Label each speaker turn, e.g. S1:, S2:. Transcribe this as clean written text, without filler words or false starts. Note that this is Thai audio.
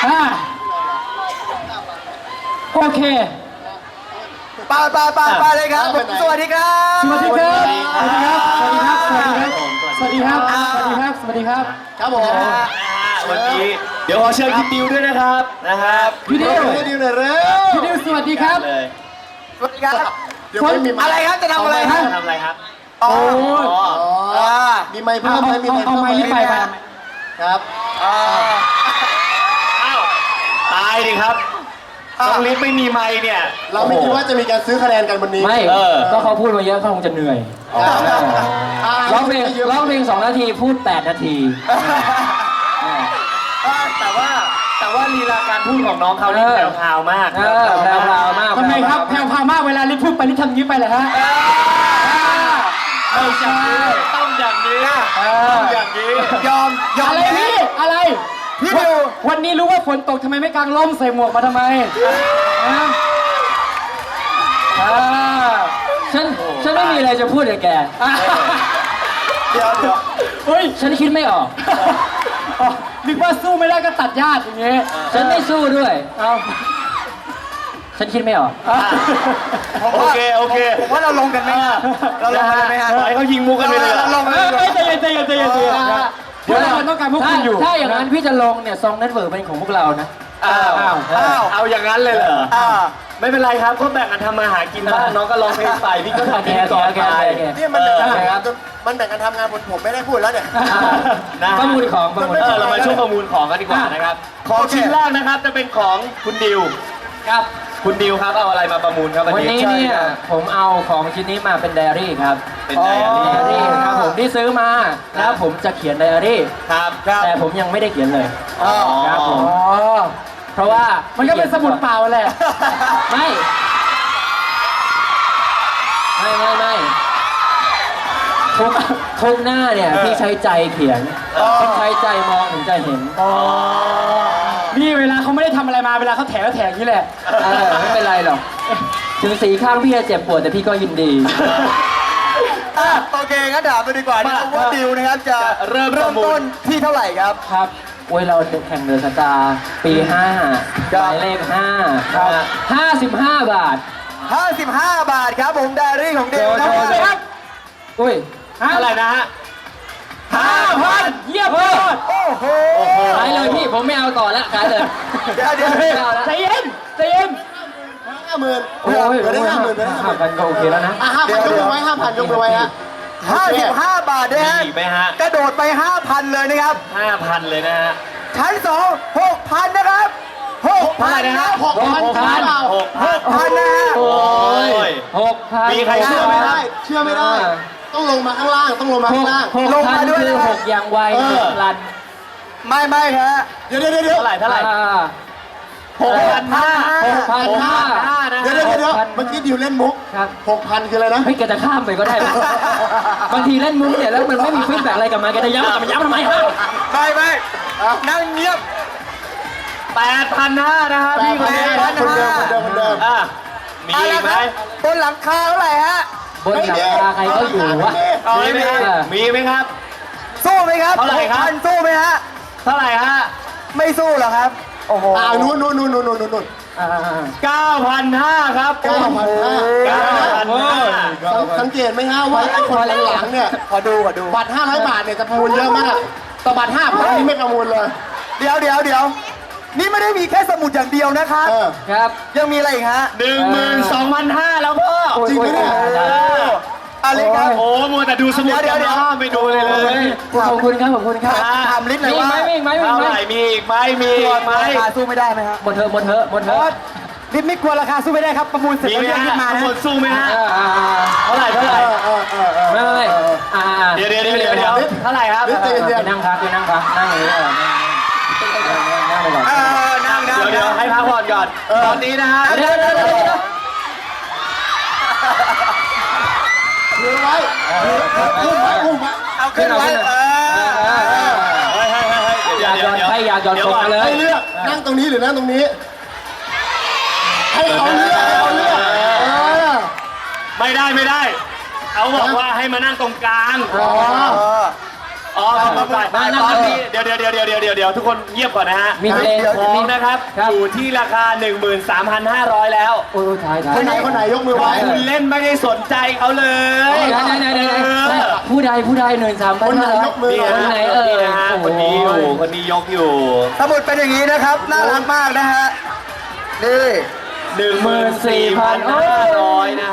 S1: โอเค
S2: ไปเลยครับสวัสดีครับ
S1: สวัสดีครับสวัสดีครับสวัสดีครับสวัสดีครับสวัสดีครับ
S2: ครับผม
S3: วันนี้เดี๋ยวขอเชิญพี่ดิวด้วยนะครับ
S1: พี่ดิว
S2: พี่ดิวหน่อยเร็ว
S1: พี่ดิวสวัสดีครับ
S3: เลย
S2: สวัสดีครับอะไรครับจะทำอะไรฮะ
S3: ทำอะไรครับ
S2: อ๋อ
S4: มีไม้เพิ่มไหมมีไม้
S1: เอา
S4: เพิ่ม
S1: ไม้
S4: ไหม
S1: นี่ไป
S4: ครับ
S3: อ้าวตายดิครับน้องลิศไม่มีไมค์เนี่ย
S4: เราไม่คิดว่าจะมีการซื้อคะแนนกันวันนี้
S1: ไม่ก็เขาพูดมาเยอะเขาคงจะเหนื่อยร้องเพลง2 นาทีพูด8 นาที
S3: แต่ว่าลีลาการพูดของน้องเขานี่แพรวๆมาก
S1: แพรวมากทำไมครับแพรวมากเวลาลิพูดไปลิทำยิ้มไปเหรอฮะ
S3: ไม่ใช่ต้องอย่างนี้อย่างนี้
S2: ยอม
S1: อะไรพี่อะไรพี่ดิววันนี้รู้ว่าฝนตกทำไมไม่กางร่มใส่หมวกมาทำไมฉันไม่มีอะไรจะพูดเลยแก
S2: เดี๋ยว
S1: เฮ้ยฉันคิดไม่ออกนึกว่าสู้ไม่ได้ก็ตัดญาติอย่างเงี้ยฉันไม่สู้ด้วยฉันคิดไม่ออก
S3: โอเค
S2: ผมว่าเราลงกันไหมเราลงกันไหมฮะ
S3: ปล่อยเขายิงมุกกันไปเลย
S2: เราลงเลย
S1: ใจเย็นเดี๋ยวเราต้องการพวกคุณอยู่ถ้าอย่างนั้นพี่จะลงเนี่ยซองเน็ตเวิร์กเป็นของพวกเรานะ
S3: เอาอย่างนั้นเลยเหรอไม่เป็นไรครับก็แบ่งกันทำมาหากินบ้างน้องก็ร้องเพลงไปพี่ก็ทำเพลงก่อนไป
S4: เนี่ยมันแบ่งกันทำงานผมไม่ได้พูดแล้วเนี่ย
S1: ประมูลของ
S3: เรามาช่วงประมูลของกันดีกว่านะครับของชิ้นแรกนะครับจะเป็นของคุณดิว
S1: ครับ
S3: คุณดิวครับเอาอะไรมาประมูลครับ
S1: วันนี้เนี่ยผมเอาของชิ้นนี้มาเป็นไดอารี่ครับ
S3: เป็นไดอารี่
S1: ครับผมที่ซื้อมาแล้วผมจะเขียนไดอารี่
S3: ครับ
S1: แต่ผมยังไม่ได้เขียนเลยครับผมเพราะว่ามันก็เป็นสมุดเปล่าแหละไม่ทุกหน้าเนี่ยพี่ใช้ใจเขียนพี่ใช้ใจมองถึงจะเห็นนี่เวลาเขาไม่ได้ทำอะไรมาเวลาเขาแถอย่างนี้แหละไม่เป็นไรหรอกถึงสีข้างพี่จะเจ็บปวดแต่พี่ก็ยินดี
S2: โอเคงั้นถามไปดีกว่านะครับว่าดิวนะครับจะเริ่มต้นที่เท่าไหร่ครับ
S1: ครับโอ้ยเราแข่งเดือนสตาร์ปี5หมายเลข5ครับ55 บาท
S2: 55 บาทครับผมไดอารี่ของดิวนะครับ
S1: อุ้ย
S3: เท่าไหร่นะฮะ
S1: 5,000เยี่ยมยอด
S2: โอ้โห
S1: ขายเลยพี่ผมไม่เอาต่อแล้วขายเลย
S2: เดี๋ยว
S1: ใจเย็น
S4: 50,000
S1: โอ้ย5,000ก็โอเคแล้วนะ
S4: 5,000ยกมือไว้5,000ยกมือไว้ฮะ
S2: 55 บาทนะฮะกระโดดไป 5,000 เลยนะครับ
S3: 5,000 เลยนะฮะ
S2: ชั้น2 6,000 นะครับ6,000 นะ
S1: 6,000
S2: นะฮะ
S3: โอ้ย
S1: 6,000
S3: มีใครเชื่อไหมครับ
S4: เชื่อไม่ได้ต้องลงมาข้างล่าง
S1: ลงมาด้วยคือ6อย่างไวลัน
S2: ไม่ครับ
S4: เดี๋ยว
S3: เท่าไหร่
S1: 6,500
S4: นะเดี๋ยวเมื่อกี้ดิวเล่นมุก6,000คืออะไรนะ
S1: เฮ้ยแกจะข้ามไปก็ได้บางทีเล่นมุกเนี่ยแล้วมันไม่มีฟีดแบ็กอะไรกลับมาแกจะย้ำทำไมฮะ
S2: ไม่นั่งเงียบ
S3: 8,500นะครับพี่คนนี้
S4: คนเดิม
S3: มีอีกไหม
S2: บนหลังคาเท่าไหร่ฮะ
S1: บนหลังคาใครก็อยู่วะ
S3: มีไหมครับ
S2: สู้ไหมครับ
S3: เท่าไหร่ครับ
S2: สู้ไหมฮะ
S3: เท่าไหร่ฮะ
S2: ไม่สู้หรอครับโอ้โห
S4: นู่น
S3: 9,500 ครับ
S4: 9,500สังเกตไหมฮะว่าไอ้คนหลังเนี่ย
S2: ขอดู
S4: บัตร500 บาทเนี่ยจะประมูลเยอะมากต่อบัตร 5,000 นี่ไม่ประมูลเลย
S2: เดี๋ยวนี่ไม่ได้มีแค่สมุดอย่างเดียวนะครับ
S1: ครับ
S2: ยังมีอะไรอีกฮะ
S3: 12,500 แล้วพ่อ
S4: จริงไหมเนี่ย
S2: อะไรครับ
S3: โอ้มัวแต่ดูสมุดเดี๋ยวไปดูเลย
S1: ขอบคุณครับ
S2: ถามลิศเลยว่า
S1: มีไหม
S3: มีอีกไหม
S2: ราคาสู้ไม่ได้ไหมครับ
S1: หมดเถอะ
S2: ลิศไม่กลัวราคาสู้ไม่ได้ครับประมูลเสร็จแล้ว
S3: ขึ้นมาหมดสู้ไหมฮะเท่าไหร่
S1: ไม่
S3: เดี๋ยวเท่าไหร่ครับ
S1: นั่งพักนั่งอย่างนี้นั่งไปก่อน
S3: เดี๋ยวให้พักผ่อนก่อนตอนนี้นะฮะ
S1: เดี๋ยว
S4: ไว้อุ้ม
S2: เอาขึ้นไว้
S1: อยากย้อนตรงเลย
S4: ให้เลือกนั่งตรงนี้หรือนั่งตรงนี้ให้เขาเลือก
S3: ไม่ได้เขาบอกว่าให้มานั่งตรงกลางอ๋อไปเดี๋ยวทุกคนเงียบก่อนนะฮะ
S1: มีเพลง
S3: ของนะครับ
S1: ครับ
S3: อยู่ที่ราคา 13,500 แล้ว
S1: โอ้ยถ่าย
S4: คนไหนยกมือไว้
S3: คุณเล่นไม่ได้สนใจเขาเลย
S1: ไหนผู้ใด13,000
S4: คนไหนยกมือ
S3: นี่
S1: คนไหนเอ่ย
S3: นะฮะคนนี้อยู่คนนี้ยกอยู่
S2: สมุดเป็นอย่างนี้นะครับ น่ารักมากนะฮะ นี่
S3: 14,500 นะ